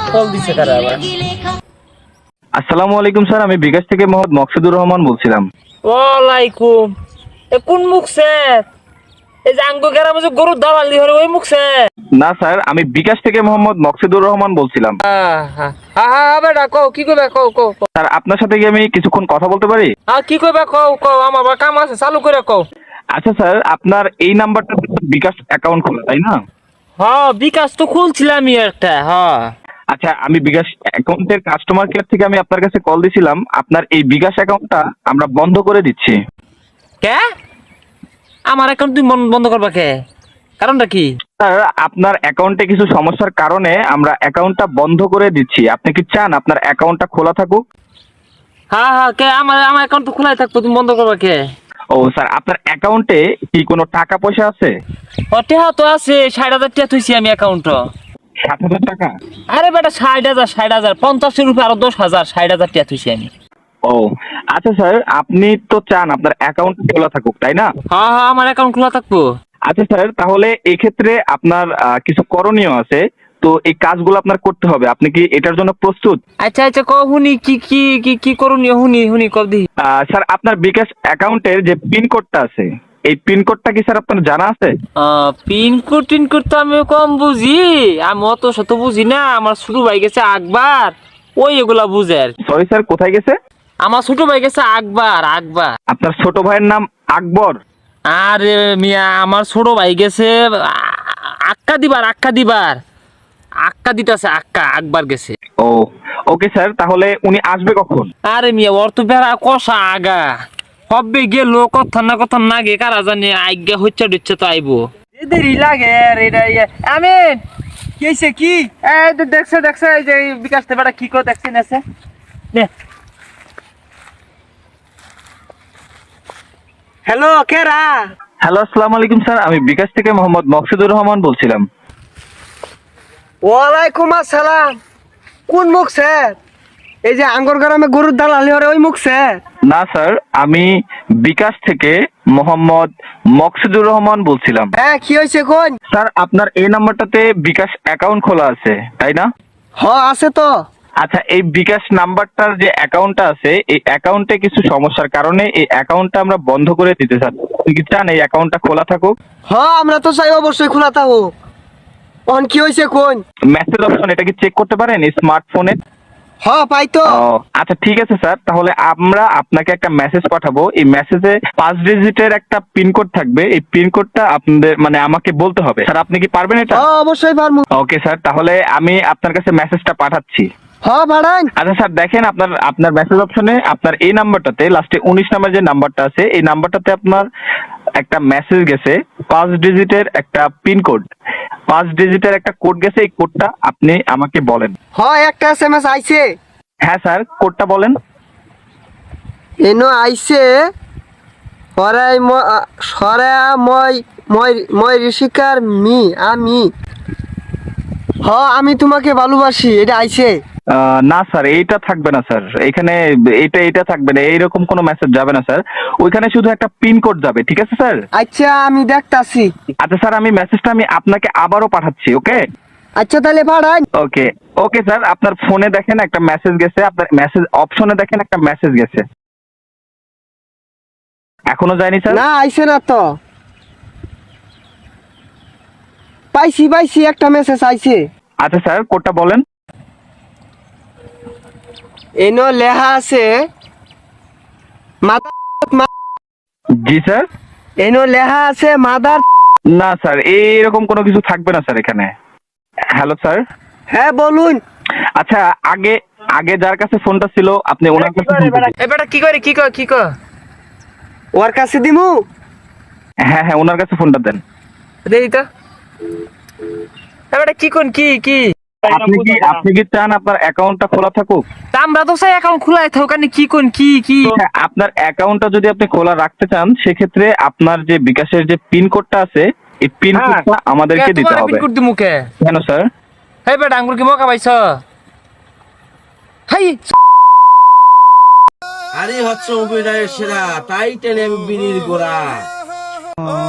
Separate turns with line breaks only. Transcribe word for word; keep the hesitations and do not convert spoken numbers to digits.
Call দিছে কারা আবার?
আসসালামু আলাইকুম স্যার, আমি বিকাশ থেকে মোহাম্মদ মকসুদুর রহমান বলছিলাম।
ওয়ালাইকুম। এ কোন মুখছে? এই যে আঙ্গো গ্রামে যে গরুর দালাল দি হরে ওই মুখছে?
না স্যার, আমি বিকাশ থেকে মোহাম্মদ মকসুদুর রহমান বলছিলাম।
হ্যাঁ হ্যাঁ হ্যাঁ বেটা কও কি কইবা কও কও কও।
স্যার, আপনার সাথে কি আমি কিছুক্ষণ কথা বলতে পারি?
হ্যাঁ কি কইবা কও কও, আমার আবার কাম আছে, চালু করে কও।
আচ্ছা স্যার, আপনার এই নাম্বারটা বিকাশ অ্যাকাউন্ট খোলা, তাই না?
হ্যাঁ বিকাশ তো খুলছিলামই একটা। হ্যাঁ
আচ্ছা, আমি বিকাশ অ্যাকাউন্টের কাস্টমার কেয়ার থেকে আমি আপনার কাছে কল দিছিলাম। আপনার এই বিকাশ অ্যাকাউন্টটা আমরা বন্ধ করে দিচ্ছি।
কে? আমার অ্যাকাউন্ট তুমি বন- বন্ধ করবা কে? কারণটা কি?
স্যার, আপনার অ্যাকাউন্টে কিছু সমস্যার কারণে আমরা অ্যাকাউন্টটা বন্ধ করে দিচ্ছি। আপনি কি চান আপনার অ্যাকাউন্টটা খোলা থাকুক?
হ্যাঁ হ্যাঁ কে? আমার আমার অ্যাকাউন্ট তো খোলাই থাকবো, তুমি বন্ধ করবা কে?
ও স্যার, আপনার অ্যাকাউন্টে কি কোনো টাকা পয়সা আছে?
ও টেহা তো আছে, ষাট হাজার টাকা থুইছি আমি অ্যাকাউন্ট।
সাত হাজার টাকা?
আরে বেটা ষাট হাজার ষাট হাজার পঞ্চাশের রুপে আরো দশ হাজার ষাট হাজার টাকা থুইছি আমি।
ও আচ্ছা স্যার, আপনি তো চান আপনার অ্যাকাউন্ট খোলা থাকুক, তাই না?
হ্যাঁ হ্যাঁ আমার অ্যাকাউন্ট খোলা থাকবো।
আচ্ছা স্যার, তাহলে এক্ষেত্রে আপনার আহ, কিছু করণীয় আছে। তো এই কাজগুলো আপনার করতে হবে। আপনি কি এটার জন্য প্রস্তুত?
আচ্ছা আচ্ছা ক হুনি কি কি কি কি করণীয় হুনি হুনি কব দি।
আহ, স্যার, আপনার বিকাশ অ্যাকাউন্টের যে পিন কোডটা আছে, এই পিন কোডটা কি স্যার আপনার জানা আছে?
পিনকোড টিনকোড তো আমি কম বুঝি, আমি অত শত বুঝি না। আমার ছোট ভাই গেছে আকবার, ওই এগুলা বুঝে আর কি।
সরি স্যার, কোথায় গেছে?
আমার ছোট ভাই গেছে আকবার আকবার।
আপনার ছোট ভাইয়ের নাম আকবর?
আরে মিয়া আমার ছোট ভাই গেছে আ- আক্কা দিবার আক্কা দিবার আক্কা দিতেছে আক্কা আকবার গেছে।
ও ওকে স্যার, তাহলে উনি আসবে কখন?
আরে মিয়া ওর তো বেড়া কষা আগা হব্বে গেল কথা না কথা না গে কারা জানে আজ্ঞা হচ্ছে দিচ্ছে তো আইবো দেরি লাগে আর এটা আমি কি হইছে কি এই তো দেখছে দেখছে এই যে বিকাশ তে বেটা কি কো দেখছেন আছে নে। হ্যালো কেরা?
হ্যালো, আসসালামু আলাইকুম স্যার, আমি বিকাশ থেকে মোহাম্মদ মকসুদুর রহমান বলছিলাম।
ওয়ালাইকুম আসসালাম। কোন মুখ স্যার? এই যে আঙ্গর গ্রামে গরুর দালালি হরে ওই মুখ স্যার?
না স্যার, আমি বিকাশ থেকে মোহাম্মদ মকসুদুর রহমান বলছিলাম।
হ্যাঁ কি হয়েছে কোন?
স্যার, আপনার এই নাম্বারটাতে বিকাশ অ্যাকাউন্ট খোলা আছে, তাই না?
হ আছে তো।
আচ্ছা, এই বিকাশ নাম্বারটার যে অ্যাকাউন্টটা আছে, এই অ্যাকাউন্টে কিছু সমস্যার কারণে এই অ্যাকাউন্টটা আমরা বন্ধ করে দিতে চাই। আপনি কি চান এই অ্যাকাউন্টটা খোলা থাকুক?
হ আমরা তো চাই অবশ্যই খোলা থাকো। অন কি হয়েছে কোন?
মেসেজ অপশন এটা কি চেক করতে পারেন স্মার্টফোনে?
হ পাই তো।
ও আচ্ছা, ঠিক আছে স্যার, তাহলে আমরা আপনাকে একটা মেসেজ পাঠাবো। এই মেসেজে পাঁচ ডিজিটের একটা পিনকোড থাকবে। এই পিনকোডটা আপনাদের মানে আমাকে বলতে হবে। স্যার, আপনি কি পারবেন এটা?
হ অবশ্যই পারমু।
ওকে স্যার, তাহলে আমি আপনার কাছে মেসেজটা পাঠাচ্ছি।
হ ভাড়ান।
আচ্ছা স্যার, দেখেন আপনার আপনার মেসেজ অপশনে আপনার এই নাম্বারটাতে লাস্টে উনিশ নাম্বার যে নাম্বারটা আছে, এই নাম্বারটাতে আপনার একটা মেসেজ গেছে, পাঁচ ডিজিটের একটা পিনকোড, পাঁচ ডিজিটের একটা কোড গেছে। এই কোডটা আপনি আমাকে বলেন।
হ একটা এস এম এস আইছে।
হ্যাঁ স্যার, কোডটা বলেন।
এনো আইছে হরাই সরা মই মই মই ঋষিকার মি আমি। হ আমি তোমাকে ভালোবাসি, এটা আইছে।
আহ, না স্যার, এইটা থাকবে না স্যার। এখানে এইটা এইটা থাকবে না, এইরকম কোনো মেসেজ যাবে না স্যার। ওইখানে শুধু একটা পিন কোড যাবে, ঠিক আছে স্যার?
আচ্ছা আমি দেখতাছি।
আচ্ছা স্যার, আমি মেসেজটা আমি আপনাকে আবারও পাঠাচ্ছি। ওকে
আচ্ছা তাহলে ভাড়ান।
ওকে ওকে স্যার, আপনার ফোনে দেখেন একটা মেসেজ গেছে, আপনার মেসেজ অপশনে দেখেন একটা মেসেজ গেছে। এখনো যায়নি স্যার?
না আইছে না তো। পাইছি পাইছি একটা মেসেজ আইছে।
আচ্ছা স্যার, কোডটা বলেন।
এনো লেখা আছে মাদার।
জি স্যার।
এনো লেখা আছে মাদার।
না স্যার, এইরকম কোনো কিছু থাকবে না স্যার এখানে। Hello sir.
হ্যাঁ বলুন।
আচ্ছা, আগে আগে যার কাছে ফোনটা ছিল আপনি ওনার কাছে ফোন করুন।
এ বেটা কি করে কি কর কি কর
ওর কাছে দিমু।
হ্যাঁ হ্যাঁ, ওনার কাছে ফোনটা দেন।
দেই তো এ বেটা কি কোন কি কি
আপনি কি আপনি কি চান আপনার অ্যাকাউন্টটা খোলা থাকুক?
তা আমরা তো চাই অ্যাকাউন্ট খোলাই থাকুক। কানে কি কোন কি কি
হ্যাঁ, আপনার অ্যাকাউন্টটা যদি আপনি খোলা রাখতে চান, সেক্ষেত্রে আপনার যে বিকাশের যে পিন কোডটা আছে, এই পিন কোডটা আমাদেরকে দিতে হবে।
পিনকোড দি মুখে
কেন স্যার?
হে বেটা আঙ্গুর কি মকা পাইছ? হাই
আরে হচ্ছে অভিনয়ের সেরা, তাই টেনে আমি বিনির গোড়া।